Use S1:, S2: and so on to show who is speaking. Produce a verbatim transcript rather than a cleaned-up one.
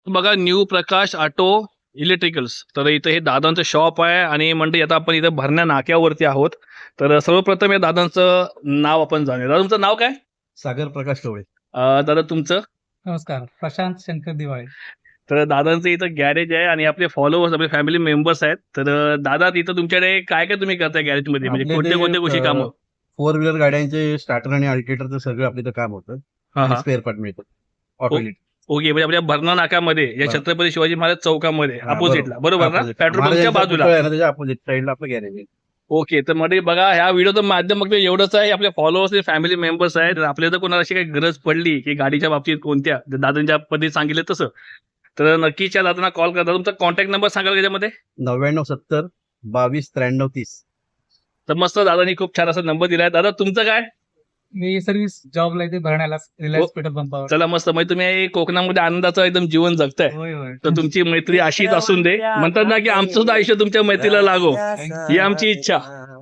S1: बघा न्यू प्रकाश auto electricals. तर इथं हे दादांचं शॉप आहे आणि म्हणजे आता आपण इथं भरण्या नाक्यावरती आहोत. तर सर्वप्रथम या दादांचं नाव आपण जाणूया. दादा तुमचं नाव काय?
S2: सागर प्रकाश टोळे.
S1: अं, दादा तुमचं?
S3: नमस्कार, प्रशांत शंकर दिवाळे.
S1: तर दादांचं इथं गॅरेज आहे आणि आपले फॉलोअर्स आपले फॅमिली मेंबर्स आहेत. तर अं, दादा इथं तुमच्याकडे काय काय तुम्ही करताय गॅरेजमध्ये, म्हणजे
S2: आपल्या
S1: कोणत्या
S2: इथे,
S1: कोणत्या गोष्टी कामं?
S2: फोर व्हीलर गाड्यांचे स्टार्टर आणि अल्टिवेटरचं सगळं आपलं इथं काम होतं
S1: हा
S2: आणि
S1: हा
S2: स्पेअर पार्ट मिळतं. ऑटो
S1: ओके, म्हणजे आपल्या भरणा नाक्यामध्ये या
S2: बरं.
S1: छत्रपती शिवाजी महाराज चौकामध्ये
S2: हा,
S1: अपोजिटला, बरोबर ना?
S2: Opposite.
S1: पेट्रोल पंपच्या
S2: महाराजांचा
S1: बाजूला.
S2: पुतळा आहे ना, त्याच्या अपोजिट साईडला आपलं गॅरेज आहे.
S1: ओके, तर मध्ये बघा ह्या व्हिडिओचं माध्यम फक्त एवढंच आहे, आपले फॉलोअर्स फॅमिली मेंबर्स आहेत. तर आपल्याला जर कोणाला अशी काही गरज पडली की गाडीच्या बाबतीत कोणत्या, जर दादांच्या पद्धतीने सांगितलं तसं, तर नक्कीच या दादांना कॉल करा. तुमचा कॉन्टॅक्ट नंबर सांगाल त्याच्यामध्ये?
S2: नव्याण्णव सत्तर बावीस त्र्याण्णव तीस.
S1: तर मस्त दादांनी खूप छान असा नंबर दिलाय. दादा तुमचं काय?
S3: मी सर्व्हिस जॉबला इथे भरण्याला रिलायन्स पेट्रोल पंपावर.
S1: चला मस्त, म्हणजे तुम्ही कोकणामध्ये आनंदाचं एकदम जीवन जगताय.
S3: होय होय.
S1: तर तुमची मैत्री अशीच असून दे. म्हणतात ना की आमचं सुद्धा आयुष्य तुमच्या मैत्रीला लागो, ही आमची इच्छा.